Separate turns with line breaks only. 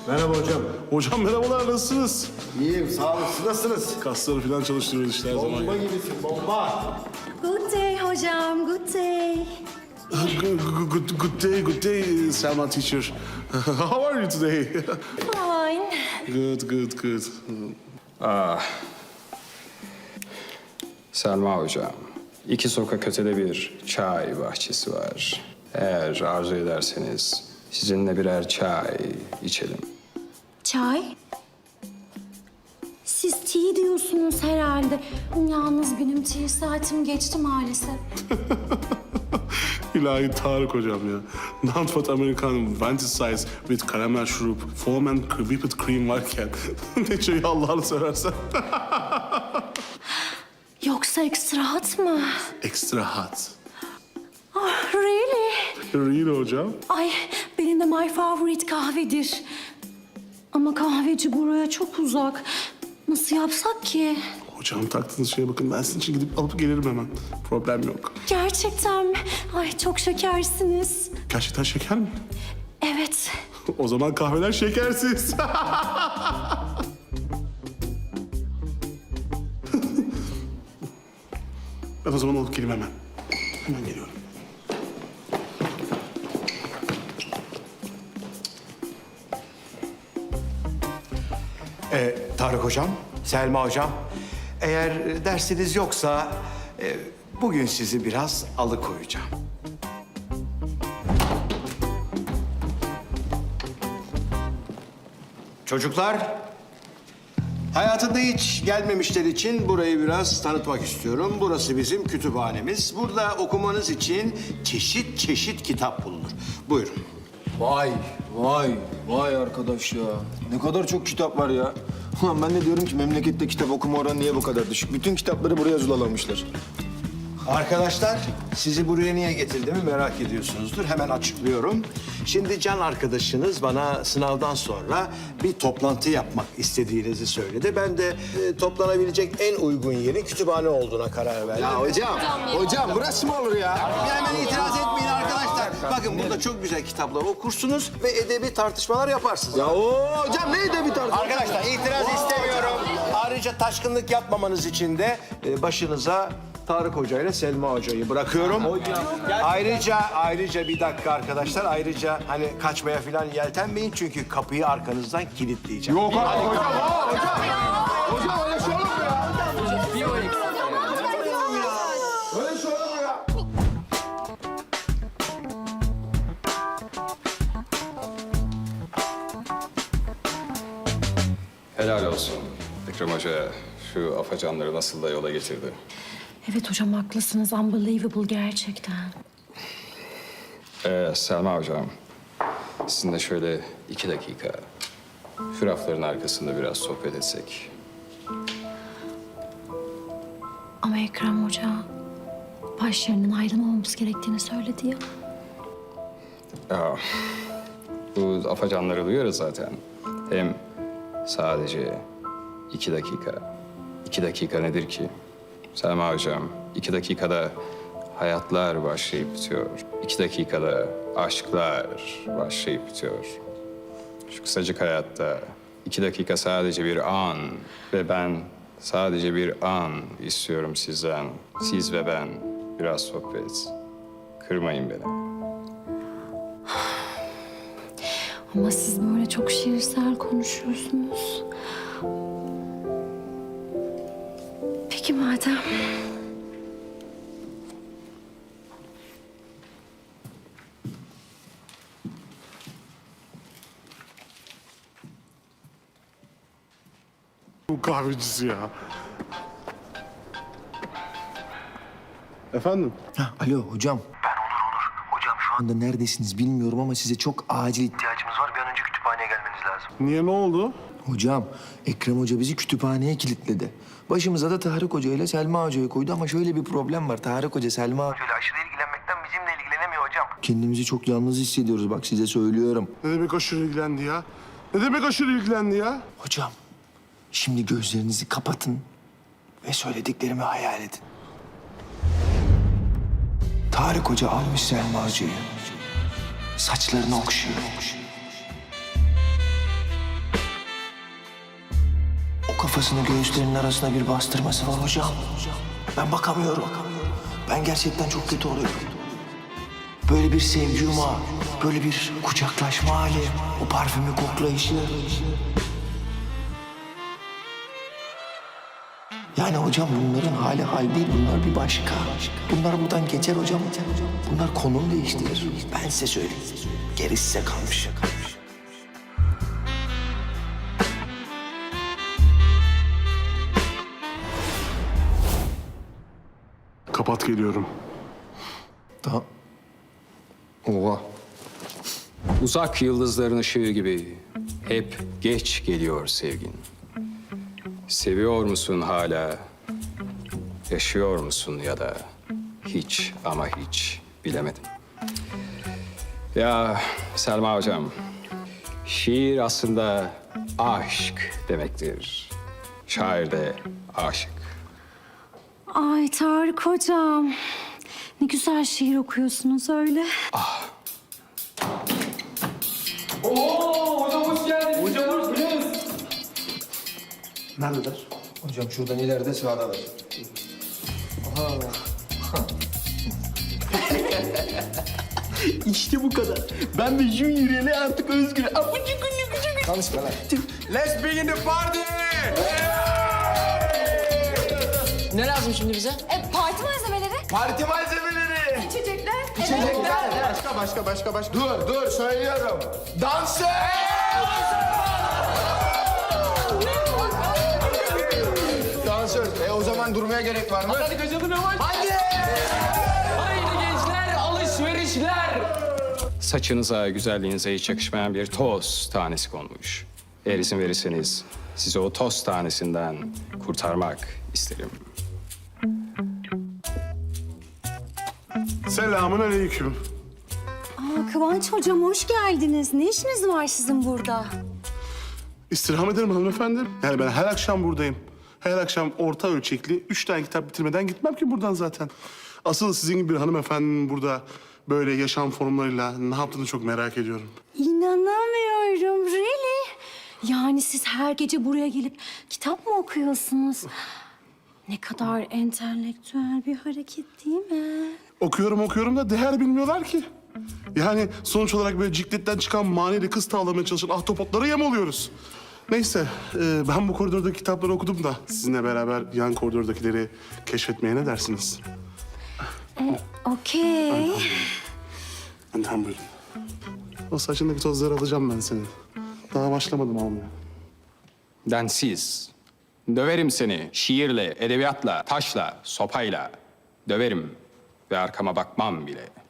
Merhaba hocam.
Hocam merhabalar, nasılsınız?
İyiyim, sağ olun. Siz nasılsınız?
Kasları falan çalıştırıyoruz işte her zaman.
Bomba gibisin, bomba.
Good day hocam, good day.
Good day, Selma teacher. How are you today?
Fine.
Good.
Selma hocam, 2 sokak ötede bir çay bahçesi var. Eğer arzu ederseniz sizinle birer çay içelim.
Çay? Siz tea diyorsunuz herhalde. Yalnız benim tea saatim geçti maalesef.
İlahi Tarık hocam ya. Nantfat Amerikan vantage size with karamel şurup, foam and whipped cream varken ne çayı Allah'ını seversen.
Yoksa extra hot mı?
Extra hot.
Oh, really?
Really hocam?
Ay, benim de my favorite kahvedir. Ama kahveci buraya çok uzak. Nasıl yapsak ki?
Hocam taktığınız şeye bakın, ben sizin için gidip alıp gelirim hemen. Problem yok.
Gerçekten mi? Ay çok şekersiniz.
Gerçekten şeker mi?
Evet.
O zaman kahveler şekersiz. Ben o zaman alıp geleyim hemen. Hemen geliyorum.
Tarık hocam, Selma hocam. Eğer dersiniz yoksa bugün sizi biraz alıkoyacağım. Çocuklar, hayatında hiç gelmemişler için burayı biraz tanıtmak istiyorum. Burası bizim kütüphanemiz. Burada okumanız için çeşit çeşit kitap bulunur. Buyurun.
Vay arkadaş ya. Ne kadar çok kitap var ya. Ulan ben de diyorum ki memlekette kitap okuma oranı niye bu kadar düşük? Bütün kitapları buraya zulalamışlar.
Arkadaşlar, sizi buraya niye getirdiğimi merak ediyorsunuzdur. Hemen açıklıyorum. Şimdi Can arkadaşınız bana sınavdan sonra bir toplantı yapmak istediğinizi söyledi. Ben de toplanabilecek en uygun yerin kütüphane olduğuna karar verdim.
Ya hocam burası mı olur ya?
Bir hemen itiraz etmeyin arkadaşlar. Bakın burada çok güzel kitaplar okursunuz ve edebi tartışmalar yaparsınız.
Ya hocam neydi bir tartışma?
Arkadaşlar itiraz istemiyorum. Ayrıca taşkınlık yapmamanız için de başınıza Tarık Hoca ile Selma Hoca'yı bırakıyorum. Ayrıca bir dakika arkadaşlar. Ayrıca hani kaçmaya falan yeltenmeyin çünkü kapıyı arkanızdan kilitleyeceğim.
Yok hocam. Hocam öyle şey olur mu ya? Öyle şey olur mu ya?
Helal olsun Ekrem Hoca, şu afacanları nasıl da yola getirdi.
Evet hocam haklısınız. Unbelievable gerçekten.
Selma hocam, sizinle şöyle 2 dakika şu rafların arkasında biraz sohbet etsek.
Ama Ekrem Hoca başlarının ayrılmamamız gerektiğini söyledi ya.
Ya, bu afacanları duyuyoruz zaten. Hem sadece 2 dakika. 2 dakika nedir ki? Selma hocam, 2 dakikada hayatlar başlayıp bitiyor. 2 dakikada aşklar başlayıp bitiyor. Şu kısacık hayatta 2 dakika sadece bir an ve ben sadece bir an istiyorum sizden. Siz ve ben biraz sohbet. Kırmayın beni.
Ama siz böyle çok şiirsel konuşuyorsunuz. Peki madem.
Bu kahvecisi ya. Efendim?
Ha, alo hocam.
Ben Onur. Hocam şu anda
Neredesiniz bilmiyorum ama size çok acil
ihtiyacımız var. Bir an önce kütüphaneye gelmeniz lazım.
Niye, ne oldu?
Hocam, Ekrem Hoca bizi kütüphaneye kilitledi. Başımıza da Tarık Hoca ile Selma Hoca'yı koydu ama şöyle bir problem var. Tarık Hoca, Selma...
Şöyle aşırı ilgilenmekten bizimle ilgilenemiyor hocam.
Kendimizi çok yalnız hissediyoruz bak size söylüyorum.
Ne demek aşırı ilgilendi ya? Ne demek aşırı ilgilendi ya?
Hocam, şimdi gözlerinizi kapatın ve söylediklerimi hayal edin. Tarık Hoca almış Selma Hoca'yı. Saçlarını okşuyor. kafasını göğüslerinin arasına bir bastırması var hocam. Ben bakamıyorum. Ben gerçekten çok kötü oluyorum. Böyle bir sevgi yumağı, böyle bir kucaklaşma hali, o parfümü koklayışı. Yani hocam bunların hali hal değil, bunlar bir başka. Bunlar buradan geçer hocam. Bunlar konum değiştirir. Ben size söyleyeyim. Gerisi size kalmış.
Kapat geliyorum.
Tamam. Oha.
Uzak yıldızların ışığı gibi hep geç geliyor sevgin. Seviyor musun hala? Yaşıyor musun ya da hiç ama hiç bilemedim. Ya Selma hocam, şiir aslında aşk demektir. Şair de aşık.
Ay Tarık hocam. Ne güzel şiir okuyorsunuz öyle.
Neredeler?
Hocam şuradan ileride sağda var.
İşte bu kadar. Ben de Junior'e artık özgür.
Konuşma lan.
Let's begin the party! Ne lazım şimdi bize?
Parti malzemeleri.
Parti malzemeleri.
İçecekler.
İçecekler. Başka. Dur söylüyorum. Dansöz!
Dansöz. O zaman durmaya gerek var mı?
Hadi kaçalım yavaş. Hadi! Haydi gençler, alışverişler!
Saçınıza, güzelliğinize hiç yakışmayan bir toz tanesi konmuş. Eğer izin verirseniz sizi o toz tanesinden kurtarmak isterim.
Selamun aleyküm.
Kıvanç hocam hoş geldiniz. Ne işiniz var sizin burada?
İstirham ederim hanımefendi. Yani ben her akşam buradayım. Her akşam orta ölçekli 3 tane kitap bitirmeden gitmem ki buradan zaten. Asıl sizin gibi bir hanımefendinin burada böyle yaşam formlarıyla ne yaptığını çok merak ediyorum.
İnanamıyorum. Really? Yani siz her gece buraya gelip kitap mı okuyorsunuz? Ne kadar entelektüel bir hareket değil mi?
Okuyorum da değer bilmiyorlar ki. Yani sonuç olarak böyle cikletten çıkan maneli kız tavlamaya çalışan ahtapotlara yem oluyoruz. Neyse, ben bu koridordaki kitapları okudum da sizinle beraber yan koridordakileri keşfetmeye ne dersiniz?
Okey.
Önden buyurun. O saçındaki tozları alacağım ben senin. Daha başlamadım almaya.
Densiz. Döverim seni şiirle, edebiyatla, taşla, sopayla. Döverim ve arkama bakmam bile.